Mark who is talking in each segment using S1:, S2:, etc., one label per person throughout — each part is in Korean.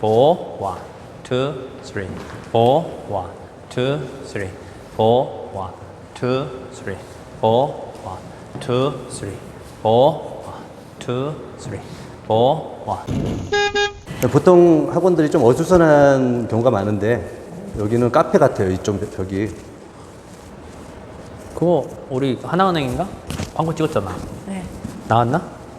S1: 4, 1, 2, 3, 4, 1, 2, 3, 4, 1, 2, 3, 4, 1, 2, 3, 4, 1, 2, 3, 4, 1.
S2: 보통 학원들이 좀 어수선한 경우가 많은데 여기는 카페 같아요. 이쪽 벽이.
S1: 그거 우리 하나은행인가? 광고 찍었잖아.
S3: 네.
S1: 나왔나?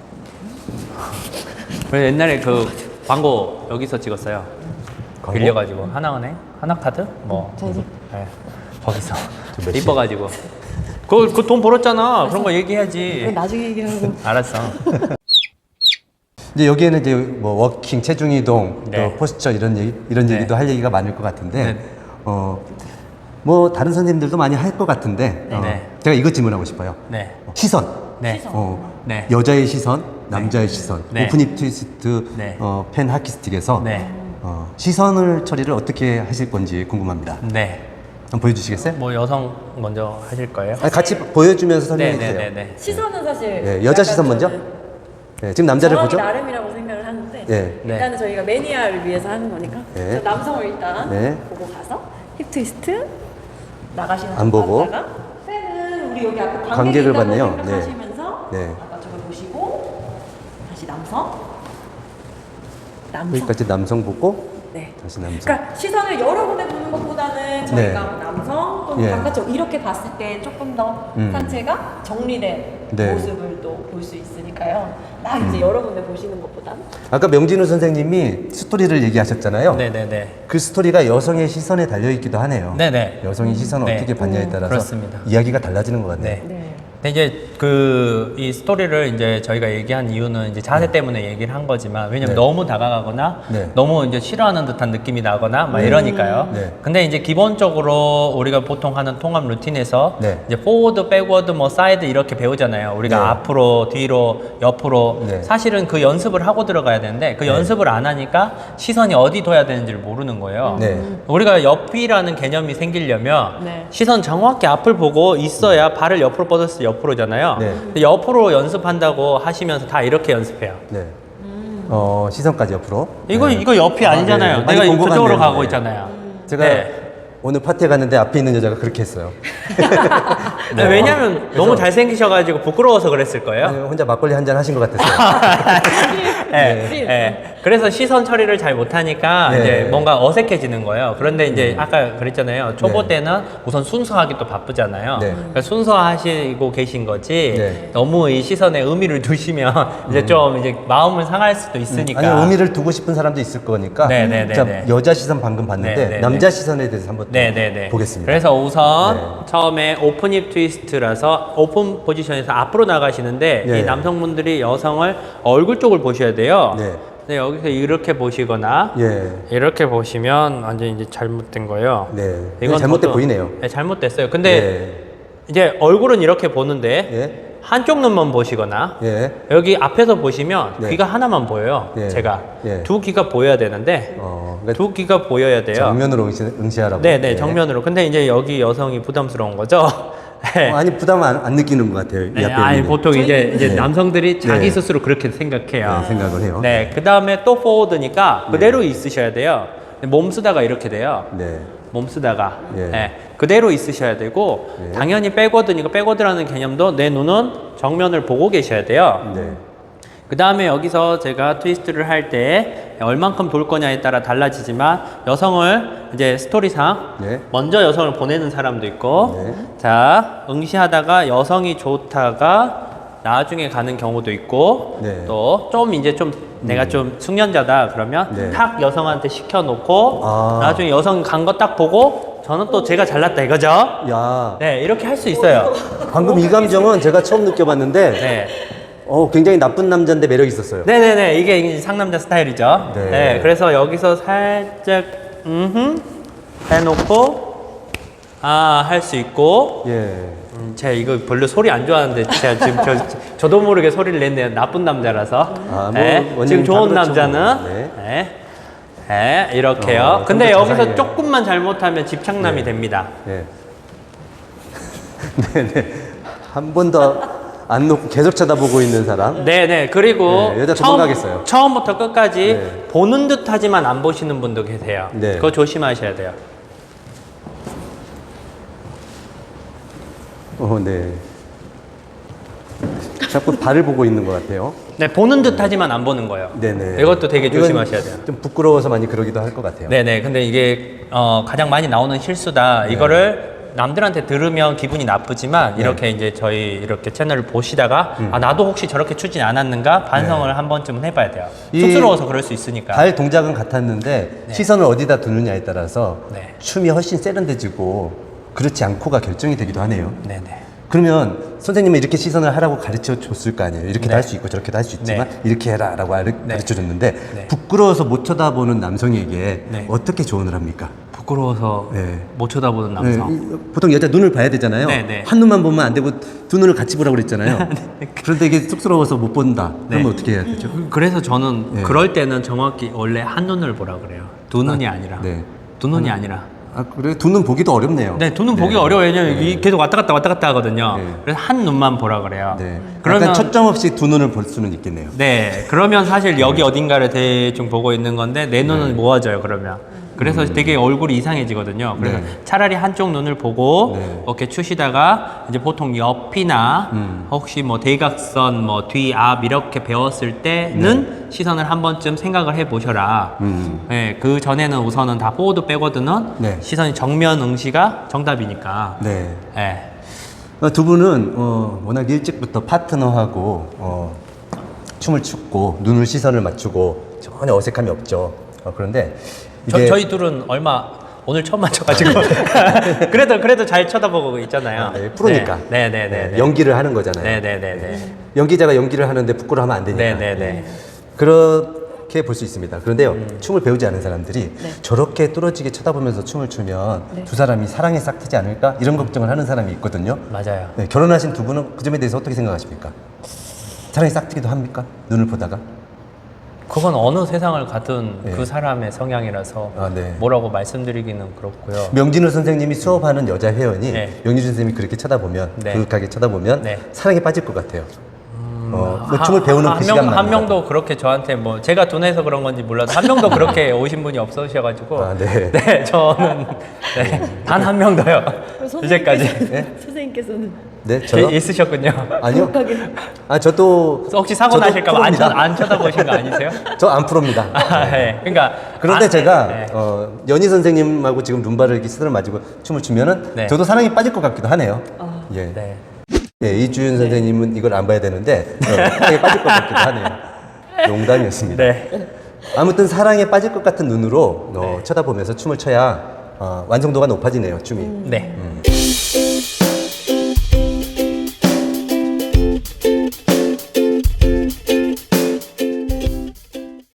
S1: 그래서 옛날에 그 광고 여기서 찍었어요.
S2: 광고?
S1: 빌려가지고 하나은행, 하나카드, 뭐 네, 거기서
S2: 몇 시?
S1: 이뻐가지고 그 돈 벌었잖아. 그런 거 얘기해야지.
S3: 나중에 얘기하고.
S1: 알았어.
S2: 이제 여기에는 이제 뭐 워킹, 체중 이동,
S1: 네.
S2: 또 포스처 이런
S1: 네.
S2: 얘기도 할 얘기가 많을 것 같은데
S1: 네.
S2: 뭐 다른 선생님들도 많이 할 것 같은데
S1: 네.
S2: 제가 이거 질문하고 싶어요.
S1: 네,
S2: 시선.
S1: 네, 네.
S2: 여자의 시선, 남자의 시선.
S1: 네.
S2: 오픈힙 트위스트
S1: 네.
S2: 펜 하키스틱에서
S1: 네,
S2: 시선을 처리를 어떻게 하실 건지 궁금합니다.
S1: 네.
S2: 한번 보여주시겠어요?
S1: 뭐 여성 먼저 하실 거예요?
S2: 아니, 같이 보여주면서 설명해
S1: 네, 네,
S2: 주세요.
S1: 네, 네.
S3: 시선은 사실
S2: 네, 여자 시선 먼저. 네, 지금 남자를
S3: 정확히
S2: 보죠?
S3: 나름이라고 생각을 하는데
S2: 네.
S3: 일단은 저희가 매니아를 위해서 하는 거니까
S2: 네.
S3: 남성을 일단
S2: 네.
S3: 보고 가서 힙 트위스트 나가시는
S2: 안 보고.
S3: 남자가 팬은 우리 여기 앞에
S2: 관객을
S3: 관객을
S2: 봤네요.
S3: 생각하시면서
S2: 네.
S3: 아까 저걸 보시고 다시 남성
S2: 여기까지 남성 보고
S3: 네.
S2: 다시 남성.
S3: 그러니까 시선을 여러 군데 보는 것보다는 저희가
S2: 네.
S3: 남성 또는
S2: 예.
S3: 바깥쪽 이렇게 봤을 때 조금 더 상체가 정리된
S2: 네.
S3: 모습을 또 볼 수 있으니까요. 막 이제 여러 군데 보시는 것보다는
S2: 아까 명진우 선생님이 스토리를 얘기하셨잖아요.
S1: 네, 네, 네.
S2: 그 스토리가 여성의 시선에 달려 있기도 하네요.
S1: 네, 네.
S2: 여성의 시선을
S1: 네.
S2: 어떻게 봤냐에 따라서
S1: 그렇습니다.
S2: 이야기가 달라지는 것 같네요.
S1: 네.
S3: 네.
S1: 근데 이제 이 스토리를 이제 저희가 얘기한 이유는 이제 자세 때문에 얘기를 한 거지만 왜냐면
S2: 네.
S1: 너무 다가가거나
S2: 네.
S1: 너무 이제 싫어하는 듯한 느낌이 나거나 막 이러니까요.
S2: 네.
S1: 근데 이제 기본적으로 우리가 보통 하는 통합 루틴에서
S2: 네.
S1: 이제 포워드, 백워드, 뭐 사이드 이렇게 배우잖아요. 우리가
S2: 네.
S1: 앞으로, 뒤로, 옆으로
S2: 네.
S1: 사실은 그 연습을 하고 들어가야 되는데 그 연습을 안 하니까 시선이 어디 둬야 되는지를 모르는 거예요.
S2: 네.
S1: 우리가 옆이라는 개념이 생기려면
S3: 네.
S1: 시선 정확히 앞을 보고 있어야 발을 옆으로 뻗었을 때 옆으로잖아요.
S2: 네.
S1: 근데 옆으로 연습한다고 하시면서 다 이렇게 연습해요.
S2: 네. 시선까지 옆으로.
S1: 이거
S2: 네.
S1: 이거 옆이 아니잖아요.
S2: 네. 많이
S1: 내가
S2: 본것
S1: 저쪽으로
S2: 같네요.
S1: 가고
S2: 네.
S1: 있잖아요.
S2: 제가
S1: 네.
S2: 오늘 파티에 갔는데 앞에 있는 여자가 그렇게 했어요.
S1: 네, 왜냐면 너무 잘생기셔가지고 부끄러워서 그랬을 거예요.
S2: 아니, 혼자 막걸리 한 잔 하신 것 같았어요.
S1: 예, 예. 그래서 시선 처리를 잘 못하니까
S2: 네.
S1: 이제 뭔가 어색해지는 거예요. 그런데 이제 아까 그랬잖아요. 초보
S2: 네.
S1: 때는 우선 순서하기 또 바쁘잖아요.
S2: 네.
S1: 그러니까 순서하시고 계신 거지.
S2: 네.
S1: 너무 이 시선에 의미를 두시면 이제 좀 이제 마음을 상할 수도 있으니까.
S2: 아니, 의미를 두고 싶은 사람도 있을 거니까.
S1: 네, 네, 네,
S2: 자,
S1: 네.
S2: 여자 시선 방금 봤는데
S1: 네, 네,
S2: 남자
S1: 네.
S2: 시선에 대해서 한번 또
S1: 네네네.
S2: 보겠습니다.
S1: 그래서 우선
S2: 네.
S1: 처음에 오픈 힙 트위스트라서 오픈 포지션에서 앞으로 나가시는데
S2: 네.
S1: 이 남성분들이 여성을 얼굴 쪽을 보셔야 돼요.
S2: 네.
S1: 근데 여기서 이렇게 보시거나
S2: 예.
S1: 이렇게 보시면 완전 이제 잘못된 거예요.
S2: 네. 이건 잘못돼 보이네요.
S1: 네, 잘못됐어요. 근데
S2: 네.
S1: 이제 얼굴은 이렇게 보는데
S2: 예.
S1: 한쪽 눈만 보시거나
S2: 예.
S1: 여기 앞에서 보시면
S2: 네.
S1: 귀가 하나만 보여요.
S2: 예.
S1: 제가
S2: 예.
S1: 두 귀가 보여야 되는데
S2: 그러니까
S1: 두 귀가 보여야 돼요.
S2: 정면으로 응시하라고.
S1: 네네
S2: 예.
S1: 정면으로. 근데 이제 여기 여성이 부담스러운 거죠. 네.
S2: 아니 부담 안 느끼는 것 같아요. 이
S1: 네,
S2: 앞에
S1: 아니
S2: 있는
S1: 보통 이제
S2: 네.
S1: 남성들이 자기
S2: 네.
S1: 스스로 그렇게 생각해요.
S2: 네, 생각을 해요.
S1: 네, 그 다음에 또 포워드니까 그대로 있으셔야 돼요. 몸 쓰다가 이렇게 돼요.
S2: 네.
S1: 몸 쓰다가
S2: 예.
S1: 네, 그대로 있으셔야 되고
S2: 예.
S1: 당연히 백워드니까 백워드라는 개념도 내 눈은 정면을 보고 계셔야 돼요.
S2: 네.
S1: 그 다음에 여기서 제가 트위스트를 할 때 얼만큼 돌 거냐에 따라 달라지지만 여성을 이제 스토리상
S2: 네.
S1: 먼저 여성을 보내는 사람도 있고
S2: 네.
S1: 자 응시하다가 여성이 좋다가 나중에 가는 경우도 있고
S2: 네.
S1: 또 좀 이제 좀 내가 좀 숙련자다 그러면
S2: 네.
S1: 탁 여성한테 시켜놓고
S2: 아.
S1: 나중에 여성 간 거 딱 보고 저는 또 제가 잘났다 이거죠.
S2: 야,
S1: 네 이렇게 할 수 있어요.
S2: 방금 이 감정은 제가 처음 느껴봤는데,
S1: 네.
S2: 굉장히 나쁜 남자인데 매력 있었어요.
S1: 네네네 이게 이제 상남자 스타일이죠.
S2: 네.
S1: 네. 그래서 여기서 살짝 해놓고 할 수 있고
S2: 예.
S1: 제가 이거 별로 소리 안 좋아하는데 제가 지금 저도 모르게 소리를 냈네요. 나쁜 남자라서.
S2: 뭐
S1: 네.
S2: 원인은
S1: 지금
S2: 다
S1: 좋은
S2: 그렇죠,
S1: 남자는
S2: 뭐. 네.
S1: 네. 네, 이렇게요.
S2: 좀
S1: 근데
S2: 더
S1: 여기서
S2: 자상해요.
S1: 조금만 잘못하면 집착남이
S2: 네.
S1: 됩니다.
S2: 네. 네네. 한 번 더, 안 놓고 계속 쳐다보고 있는 사람.
S1: 네네. 그리고
S2: 네, 여자 도망가겠어요.
S1: 처음부터 끝까지
S2: 네.
S1: 보는 듯 하지만 안 보시는 분도 계세요.
S2: 네.
S1: 그거 조심하셔야 돼요.
S2: 네. 자꾸 발을 보고 있는 것 같아요.
S1: 네, 보는 듯 하지만 안 보는 거예요.
S2: 네네.
S1: 이것도 되게
S2: 이건
S1: 조심하셔야 돼요.
S2: 좀 부끄러워서 많이 그러기도 할 것 같아요.
S1: 네네. 근데 이게 가장 많이 나오는 실수다.
S2: 네.
S1: 이거를 남들한테 들으면 기분이 나쁘지만
S2: 네.
S1: 이렇게 이제 저희 이렇게 채널을 보시다가 아 나도 혹시 저렇게 추진 않았는가 반성을
S2: 네.
S1: 한 번쯤은 해봐야 돼요.
S2: 이
S1: 쑥스러워서 그럴 수 있으니까.
S2: 발 동작은 같았는데 시선을 어디다 두느냐에 따라서
S1: 네.
S2: 춤이 훨씬 세련돼지고 그렇지 않고가 결정이 되기도 하네요.
S1: 네네.
S2: 그러면 선생님은 이렇게 시선을 하라고 가르쳐 줬을 거 아니에요. 이렇게도
S1: 네.
S2: 할 수 있고 저렇게도 할 수 있지만
S1: 네.
S2: 이렇게 해라라고 가르쳐 줬는데
S1: 네.
S2: 부끄러워서 못 쳐다보는 남성에게
S1: 네.
S2: 어떻게 조언을 합니까?
S1: 부끄러워서
S2: 네.
S1: 못 쳐다보는 남성.
S2: 네, 보통 여자 눈을 봐야 되잖아요.
S1: 네, 네.
S2: 한 눈만 보면 안 되고 두 눈을 같이 보라고 그랬잖아요. 그런데 이게 쑥스러워서 못 본다. 그러면
S1: 네.
S2: 어떻게 해야 되죠?
S1: 그래서 저는
S2: 네.
S1: 그럴 때는 정확히 원래 한 눈을 보라 그래요. 두 눈이 아니라.
S2: 네.
S1: 두 눈이 아니라.
S2: 아 그래 두 눈 보기도 어렵네요.
S1: 네, 두 눈 보기 어려워요. 왜냐면
S2: 네.
S1: 이 계속 왔다 갔다 하거든요.
S2: 네.
S1: 그래서 한 눈만 보라 그래요.
S2: 네.
S1: 그러면
S2: 약간 초점 없이 두 눈을 볼 수는 있겠네요.
S1: 네, 그러면 사실 여기 어딘가를 대충 보고 있는 건데 내 눈은 모아져요. 그러면. 그래서 되게 얼굴이 이상해지거든요. 그래서
S2: 네.
S1: 차라리 한쪽 눈을 보고
S2: 네.
S1: 이렇게 추시다가 이제 보통 옆이나 혹시 뭐 대각선, 뭐 뒤, 앞 이렇게 배웠을 때는 시선을 한 번쯤 생각을 해 보셔라. 네, 그 전에는 우선은 다 포워드 백워드는
S2: 네.
S1: 시선이 정면 응시가 정답이니까.
S2: 네.
S1: 네.
S2: 두 분은 워낙 일찍부터 파트너하고 춤을 췄고 눈을 시선을 맞추고 전혀 어색함이 없죠. 그런데 이게
S1: 저희 둘은 오늘 처음 맞춰가지고 그래도 잘 쳐다보고 있잖아요.
S2: 네, 프로니까.
S1: 네네네.
S2: 연기를 하는 거잖아요.
S1: 네네네네.
S2: 연기자가 연기를 하는데 부끄러워하면 안 되니까.
S1: 네네네.
S2: 그렇게 볼 수 있습니다. 그런데요, 춤을 배우지 않은 사람들이 저렇게 뚫어지게 쳐다보면서 춤을 추면 두 사람이 사랑에 싹 트지 않을까? 이런 걱정을 하는 사람이 있거든요.
S1: 맞아요.
S2: 네, 결혼하신 두 분은 그 점에 대해서 어떻게 생각하십니까? 사랑이 싹 트기도 합니까? 눈을 보다가?
S1: 그건 어느 세상을 가든
S2: 네.
S1: 그 사람의 성향이라서
S2: 아, 네.
S1: 뭐라고 말씀드리기는 그렇고요.
S2: 명진우 선생님이 수업하는 여자 회원이
S1: 네.
S2: 명진우 선생님이 그렇게 쳐다보면
S1: 네.
S2: 그윽하게 쳐다보면
S1: 네.
S2: 사랑에 빠질 것 같아요. 뭐 춤을 배우는 그 시간만
S1: 한 명도 그렇게 저한테 뭐 제가 둔해서 그런 건지 몰라도 한 명도 그렇게 오신 분이 없으셔가지고
S2: 아, 네.
S1: 네, 저는 단 한 명도요. 이제까지
S3: 선생님께서는
S2: 네, 저요?
S1: 있으셨군요.
S2: 아니요. 아, 저도
S1: 혹시 사고
S2: 저도
S1: 나실까 봐
S2: 프로입니다.
S1: 안 쳐다보신 거 아니세요?
S2: 저 안 프로입니다.
S1: 아, 네. 그러니까
S2: 그런데 제가
S1: 네.
S2: 연희 선생님하고 지금 룸바를 이렇게 스들을 맞고 춤을 추면은
S1: 네.
S2: 저도 사랑에 빠질 것 같기도 하네요. 예.
S1: 네.
S2: 예, 이주윤 선생님은 이걸 안 봐야 되는데 사랑에 빠질 것 같기도 하네요. 농담이었습니다.
S1: 네.
S2: 아무튼 사랑에 빠질 것 같은 눈으로 쳐다보면서 춤을 춰야 완성도가 높아지네요, 춤이.
S1: 네.